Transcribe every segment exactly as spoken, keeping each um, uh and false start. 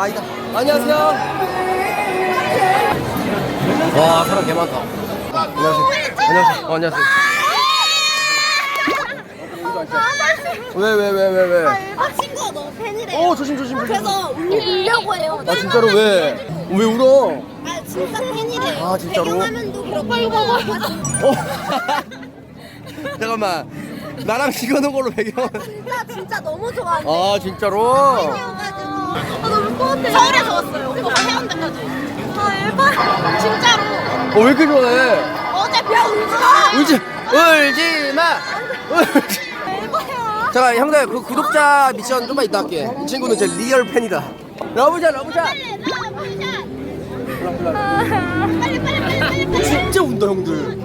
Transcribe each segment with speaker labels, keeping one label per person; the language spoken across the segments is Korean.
Speaker 1: 아니다. 안녕하세요. 와, 사람 개 많다. 안녕하세요. 안녕하세요. 어, 안녕하세요. 왜, 왜, 왜, 왜, 왜?
Speaker 2: 아, 친구가 너무 팬이래요.
Speaker 1: 어, 조심, 조심, 조심.
Speaker 2: 그래서 울려고 해요.
Speaker 1: 아, 진짜로 왜? 왜 울어?
Speaker 2: 아, 진짜 팬이래요.
Speaker 1: 아, 진짜로?
Speaker 2: 배경화면도 그렇고. 빨리 봐봐.
Speaker 1: 어? 잠깐만. 나랑 찍어놓은 걸로 배경.
Speaker 2: 진짜, 진짜 너무 좋아해.
Speaker 1: 아, 진짜로?
Speaker 2: 팬이어가지고. 아, 너무 뿌듯해. 서울에서 왔어요. 오빠가 해운대까지. 아, 일반? 진짜로.
Speaker 1: 어, 왜 이렇게 좋아해?
Speaker 2: 어제 별 울지 마.
Speaker 1: 울지, 울지 마! 울지.
Speaker 2: 대박이야.
Speaker 1: 잠깐, 형들, 그 구독자 미션 좀만 이따 할게. 이 친구는 제 리얼 팬이다. 러브샷, 러브샷!
Speaker 2: 빨리, 나 보이자. 빨리, 빨리, 빨리, 빨리, 빨리.
Speaker 1: 진짜 운다, 형들.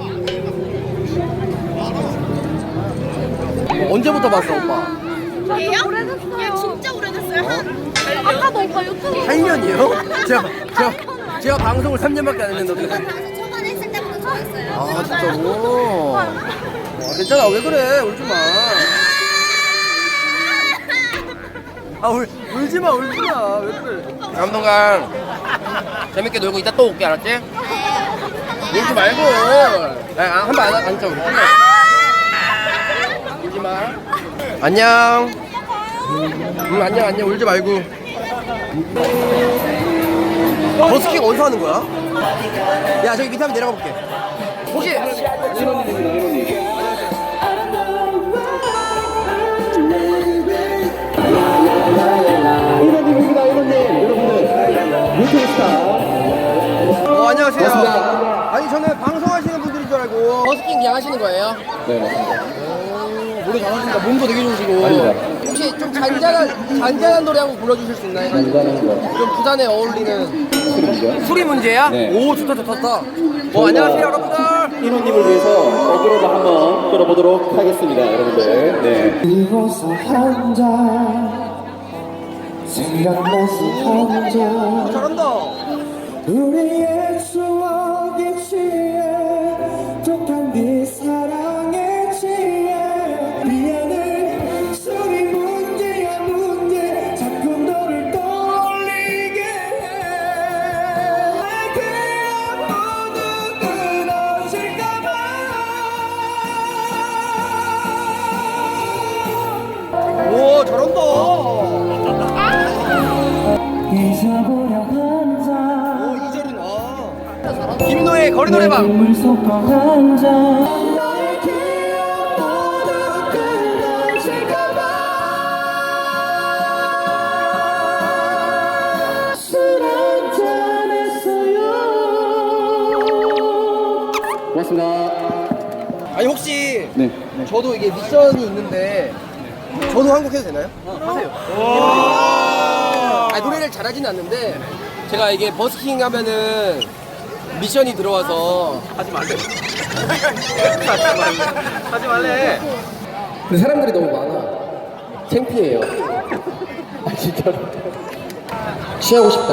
Speaker 1: 언제부터 봤어, 오빠?
Speaker 2: 얘요? 얘 진짜 오래됐어요. 한 아까도 오빠 유튜브
Speaker 1: 팔 년이요? 제가, 제가, 제가 방송을 삼 년밖에 안 했는데 어떻게.
Speaker 2: 방송 초반에 했을 때부터 좋아했어요.
Speaker 1: 아, 진짜로? 와, 괜찮아, 왜 그래? 울지 마. 아, 울, 울지 마, 울지 마. 왜 그래? 감동강. 재밌게 놀고 이따 또 올게, 알았지? 울지 말고. 아, 한 번 안 앉자, 우리. 울지 마. 안녕. 응, 안녕, 안녕. 울지 말고. 버스킹 어디서 하는 거야? 야, 저기 밑에 한번 내려가 볼게. 혹시
Speaker 3: 일원님입니다, 일원님. 여러분들, 유튜브 스타.
Speaker 1: 어, 안녕하세요.
Speaker 3: 반갑습니다.
Speaker 1: 아니, 저는 방송하시는 분들인 줄 알고 버스킹 그냥 하시는 거예요?
Speaker 3: 네, 맞습니다.
Speaker 1: 오, 노래 잘하신다. 몸도 되게 좋으시고.
Speaker 3: 아닙니다.
Speaker 1: 혹시 좀 잔잔한 잔잔한 노래 한번 불러주실 수 있나요?
Speaker 3: 간단한 거.
Speaker 1: 좀 부산에 어울리는
Speaker 3: 술이죠.
Speaker 1: 수리 문제야?
Speaker 3: 네.
Speaker 1: 오, 좋다, 좋다, 좋다. 어, 안녕하세요, 여러분들.
Speaker 3: 일원님을 위해서 어그로도 한번 끌어보도록 하겠습니다, 여러분들. 네.
Speaker 4: 그리워서 한잔 생각나서 한잔
Speaker 1: 어, 잘한다.
Speaker 4: 우리의 추억에 취해 독한 네 사랑에 취해 미안해 술이 문제야 문제 자꾸 너를 떠올리게 해 그냥 모두 끊어질까봐
Speaker 1: 오, 잘한다.
Speaker 4: 잊어보려 한잔
Speaker 1: 오, 이 절은 아. 김노의 거리 노래방.
Speaker 4: 물 섞어 한잔 너의 기억 모두 끊어질까봐 술 한잔 했어요.
Speaker 3: 고맙습니다.
Speaker 1: 아니, 혹시
Speaker 3: 네.
Speaker 1: 저도 이게 미션이 있는데 저도 한곡 해도 되나요? 하세요. 아, 노래를 잘하지는 않는데 제가 이게 버스킹 하면은 미션이 들어와서 하지 말래. 하지 말래. 하지 말래. 근데 사람들이 너무 많아. 창피해요. 아, 진짜로. 취하고 싶다.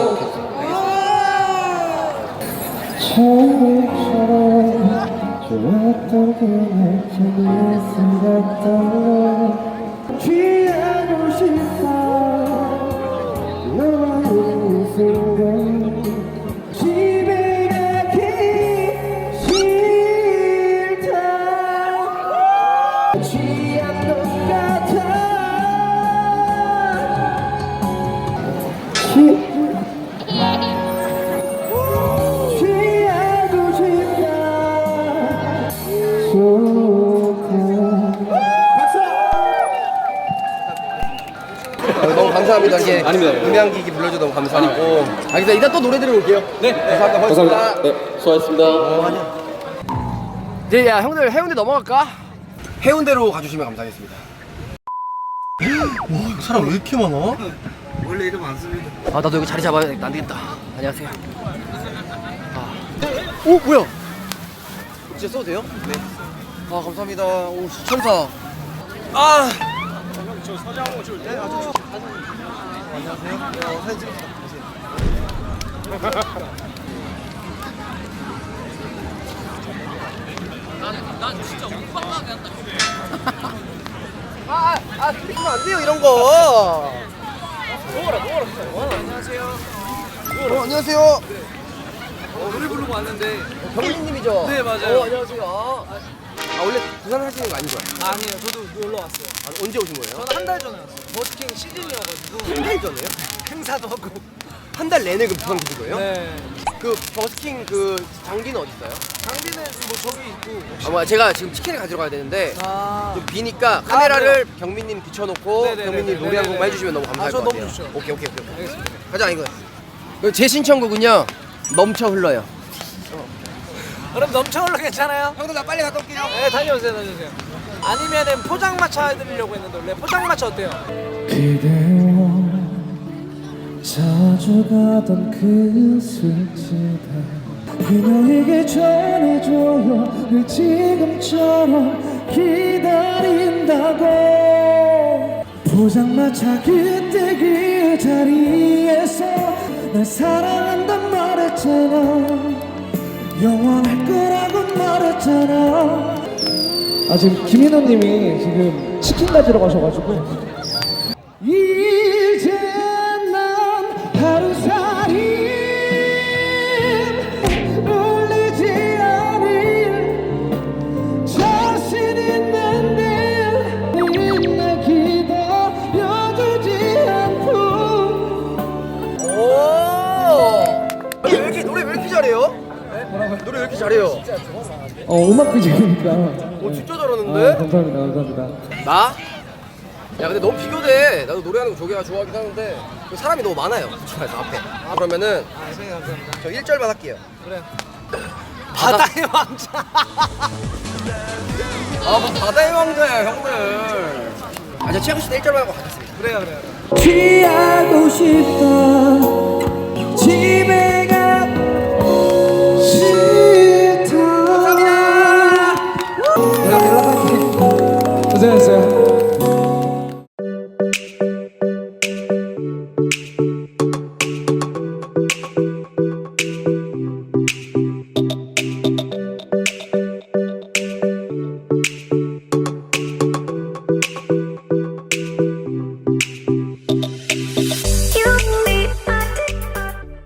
Speaker 4: 처음처럼 좋았던 그날 저기에 생각던 취하고 싶어 너와 있는 순간 집에 가기 싫다 취한 것 같아 취 취하고 싶다
Speaker 1: 어, 너무 감사합니다. 이게
Speaker 3: 아닙니다.
Speaker 1: 음향기기 불러줘 너무 감사하고. 알겠습니다. 이따 또 노래 들어올게요. 네. 감사합니다. 고맙습니다.
Speaker 3: 감사합니다. 네, 수고하셨습니다.
Speaker 1: 이제 야 형들 해운대 넘어갈까? 해운대로 가주시면 감사하겠습니다. 와, 사람 왜 이렇게 많아? 원래 이렇게 많습니다. 아, 나도 여기 자리 잡아야겠다. 안 되겠다. 안녕하세요. 아. 오, 뭐야? 진짜 써도 돼요? 네. 아, 감사합니다. 오, 천사. 아. 저 사진 한번 찍을 때? 아, 저 사진. 안녕하세요. 어, 사진 찍읍시다. 난, 난 진짜 오빠가 한다. 아, 아, 아, 찍으면 안 돼요, 이런 거. 먹어라, 먹어라. 안녕하세요. 어, 안녕하세요.
Speaker 5: 어, 노래 부르고 왔는데.
Speaker 1: 경민님이죠?
Speaker 5: 네, 맞아요.
Speaker 1: 어, 안녕하세요. 아, 아 원래 부산 하시는 거 아니죠?
Speaker 5: 아니요, 저도 놀러 왔어요.
Speaker 1: 아, 언제 오신 거예요?
Speaker 5: 저는 한 달 전에 왔어요. 버스킹 시즌이어가지고
Speaker 1: 한 달 전에요?
Speaker 5: 행사도 하고.
Speaker 1: 한 달 내내 그 부산 계신 거예요?
Speaker 5: 네.
Speaker 1: 그 버스킹 그 장비는 어디 있어요?
Speaker 5: 장비는 뭐 저기 있고.
Speaker 1: 아, 뭐야, 제가 지금 치킨을 가지러 가야 되는데
Speaker 5: 아.
Speaker 1: 좀 비니까 카메라를 경민님 비춰놓고
Speaker 5: 네네네네.
Speaker 1: 경민님 노래 한 곡만 해주시면 너무 감사할
Speaker 5: 아, 저
Speaker 1: 것
Speaker 5: 너무
Speaker 1: 같아요.
Speaker 5: 좋죠.
Speaker 1: 오케이 오케이 오케이.
Speaker 5: 알겠습니다.
Speaker 1: 가자 이거. 이거 제 신청곡은요 넘쳐 흘러요.
Speaker 5: 그럼 넘쳐올라 괜찮아요?
Speaker 1: 형들 나 빨리 갔다 올게요.
Speaker 5: 네, 다녀오세요, 다녀오세요. 아니면은 포장마차 해드리려고 했는데 원래 포장마차 어때요?
Speaker 4: 그대와 자주 가던 그 술집에 그녀에게 전해줘요 늘 지금처럼 기다린다고 포장마차 그때 그 자리에서 날 사랑한단 말했잖아 영원할 거라고 말했잖아 아 지금 김인호님이 지금 치킨 가지러 가셔가지고 이제 난 하루살이 울리지 않을 자신 있는데 날 기다려주지 않고
Speaker 1: 오. 왜 이렇게 노래 왜 이렇게 잘해요? 노래 왜 이렇게 잘해요?
Speaker 4: 어 음악 비중이니까
Speaker 1: 오 진짜 잘하는데?
Speaker 4: 아, 감사합니다 감사합니다
Speaker 1: 나? 야 근데 너무 비교돼. 나도 노래하는 거 조개가 좋아하긴 하는데 사람이 너무 많아요. 그래서 앞에. 아, 그러면은
Speaker 5: 아, 선생님 감사합니다.
Speaker 1: 저 일 절만 할게요.
Speaker 5: 그래요. 바다의 왕자.
Speaker 1: 아, 뭐 바다의 왕자야, 형들. 아, 저 최고 씨일 절만 하고 가겠습니다.
Speaker 5: 그래요, 그래요.
Speaker 4: 취하고 싶다 집에 가고 싫다 감사합니다 내가 연락할게 고생했어요